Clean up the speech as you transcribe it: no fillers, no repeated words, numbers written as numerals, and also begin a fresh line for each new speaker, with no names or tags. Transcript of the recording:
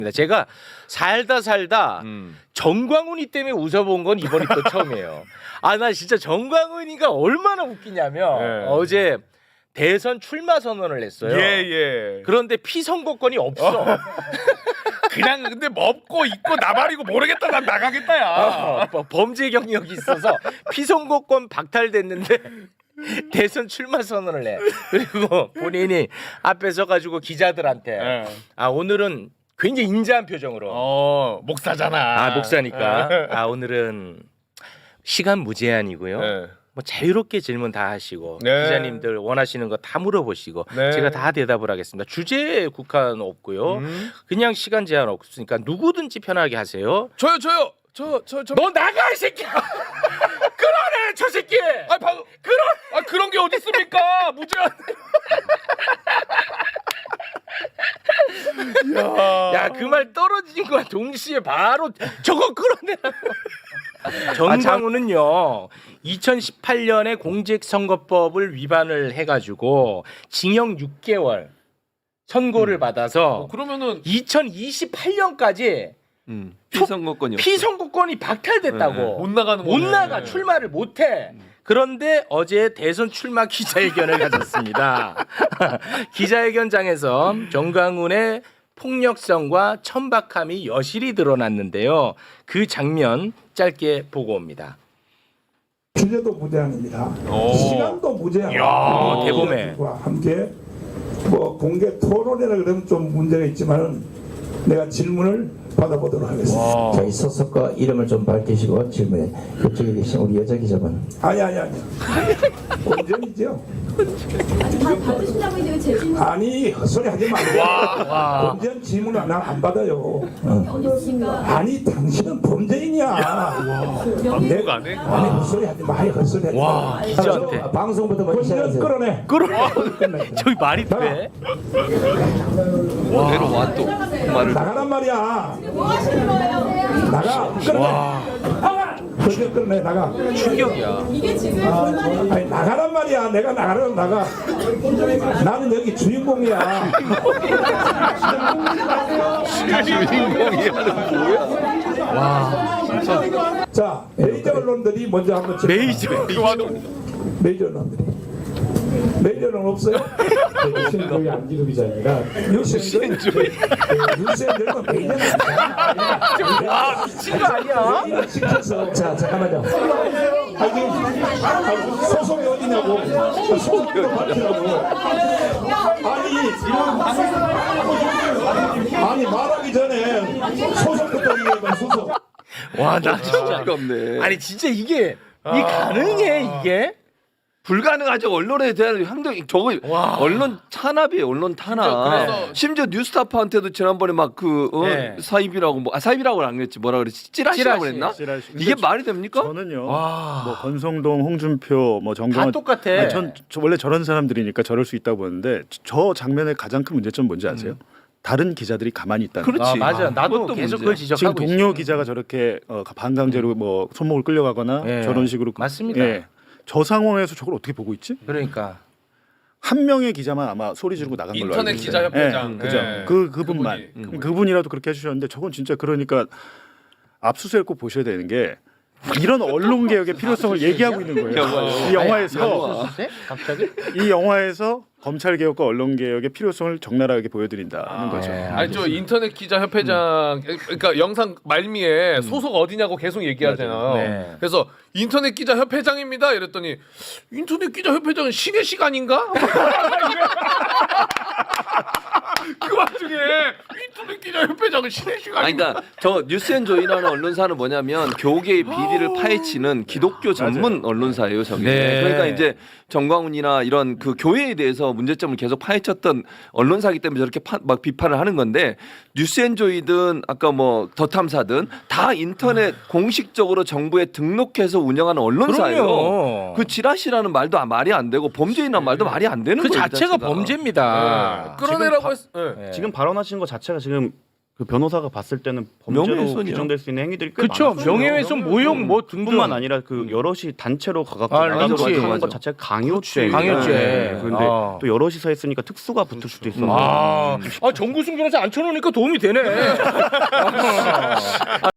제가 살다 정광훈이 때문에 웃어본 건 이번이 또 처음이에요. 아, 나 진짜 정광훈이가 얼마나 웃기냐면
네.
어제 대선 출마 선언을 했어요.
예.
그런데 피선거권이 없어.
그냥 근데 먹고 입고 나발이고 모르겠다 난 나가겠다야.
범죄 경력이 있어서 피선거권 박탈됐는데 대선 출마 선언을 해. 그리고 본인이 앞에 서가지고 기자들한테
네.
아 오늘은 굉장히 인자한 표정으로
목사잖아.
아 목사니까 아 오늘은 시간 무제한이고요.
네.
뭐 자유롭게 질문 다 하시고
네.
기자님들 원하시는 거 다 물어보시고
네.
제가 다 대답을 하겠습니다. 주제에 국한 없고요. 그냥 시간 제한 없으니까 누구든지 편하게 하세요.
저요.
너 나가 이 새끼야. 그러네 저 새끼.
그런 게 어디 있습니까? 무제한.
야 그 말 떨어진 거야 동시에 바로 저거 끌어내라고. 정광훈은요 2018년에 공직선거법을 위반을 해가지고 징역 6개월 선고를 받아서
그러면은
2028년까지
피선거권이요.
피선거권이 박탈됐다고.
못 나가는
못
거네.
나가 출마를 못해. 그런데 어제 대선 출마 기자회견을 가졌습니다. 기자회견장에서 정광훈의 폭력성과 천박함이 여실히 드러났는데요. 그 장면 짧게 보고 옵니다.
주제도 무제한입니다. 시간도 무제한입니다.
이야, 대범해.
함께 뭐 공개 토론이라 그러면 좀 문제가 있지만 내가 질문을 받아보도록 하겠습니다.
저희 소속과 이름을 좀 밝히시고 질문에 그쪽에 계신 우리 여자 기자분.
아니. 본전이죠.
다 받으신다고 이제 제 질문
아니 헛소리 하지 말고. 본전 질문을 나 안 받아요.
어디 있으신가?
아니 당신은 범죄인이야.
누가 안 해?
아니 헛소리 하지 마. 헛소리 하지 마.
기자한테.
방송부터 먼저
본전
시작하세요.
끌어내.
저기 말이 돼?
내려와 또 말을.
나가란 말이야.
뭐 하시는 거예요?
나가. 끌어내. 본전 끌어내. 나가.
충격이야.
이게 지금 불만이
아니 나가란 말이야. 내가 나가라면 나가. 나는 여기 주인공이야. 자 메이저 언론들이 먼저 한번
메이저.
메이저 언론들이 메이저는 없어요? 유시엔조이 안기루 기자입니다. 유시엔조이는 메이저는
와 미친 거 아니야?
시켜서
자 잠깐만요.
소속이 어디냐고 소속도 밝히라고 아니 말하기 전에 소속부터 얘기해봐. 소속
와 나 진짜.
어이가 없네.
아니 진짜 이게 이 가능해 이게?
불가능하죠. 언론에 대한 행동이 저거
와.
언론 탄압이에요. 언론 탄압.
그래서-
심지어 뉴스타파한테도 지난번에 막
네.
사입이라고 사입이라고는 안 그랬지. 뭐라 그랬지? 찌라시라고 그랬나?
찌라시.
이게
근데
말이 됩니까?
저는요.
와.
뭐 권성동, 홍준표, 뭐
다
정경원
똑같아.
아니, 저 원래 저런 사람들이니까 저럴 수 있다고 보는데 저 장면의 가장 큰 문제점 뭔지 아세요? 다른 기자들이 가만히 있다는 거예요.
그렇지.
아, 맞아. 나도
그것도
계속
문제야.
그걸
지금
지적하고
동료
있어.
기자가 저렇게 반강제로 뭐 손목을 끌려가거나
예.
저런 식으로
맞습니다.
예. 저 상황에서 저걸 어떻게 보고 있지?
그러니까
한 명의 기자만 아마 소리 지르고 나간 걸로
인터넷
알고 있어요.
기자협회장.
그죠.
예.
그분만
그분이.
그분이라도 그렇게 해주셨는데 저건 진짜 그러니까 압수수색 꼭 보셔야 되는 게 이런 언론 개혁의 필요성을 얘기하고 있는 거예요.
영화요.
이 영화에서
갑자기?
이 영화에서 검찰 개혁과 언론 개혁의 필요성을 적나라하게 보여드린다는 거죠.
네.
아니 저 인터넷 기자 협회장 그러니까 영상 말미에 소속 어디냐고 계속 얘기하잖아요.
네.
그래서 인터넷 기자 협회장입니다. 이랬더니 인터넷 기자 협회장은 신의 시간인가? 그 와중에 인터넷 기자 협회장은 신의
아니
시간인가?
그러니까 저 뉴스앤조이라는 언론사는 뭐냐면 교계의 비리를 파헤치는 기독교 전문 언론사예요, 저게.
네.
그러니까 이제 정광훈이나 이런 그 교회에 대해서 문제점을 계속 파헤쳤던 언론사이기 때문에 저렇게 막 비판을 하는 건데 뉴스앤조이든 아까 뭐 더 탐사든 다 인터넷 공식적으로 정부에 등록해서 운영하는 언론사예요.
그럼요.
그 지라시라는 말도 말이 안 되고 범죄인이라는 말도 말이 안 되는
그
거예요.
자체가 범죄입니다.
끌어내라고 했. 네.
네.
지금 발언하신 것 자체가 지금
그 변호사가 봤을 때는 범죄로
명예훼손이요.
규정될 수 있는 행위들이 꽤
그렇죠.
많았어요.
명예훼손, 모욕 뭐 등등.
뿐만 아니라 그 여럿이 단체로 가갖고
아,
나가서
린치.
하는
맞아.
것 자체가 강요죄.
강요죄.
그런데
아.
또 여럿이서 했으니까 특수가 붙을 수도 있어서.
정구승 변호사 앉혀놓으니까 도움이 되네.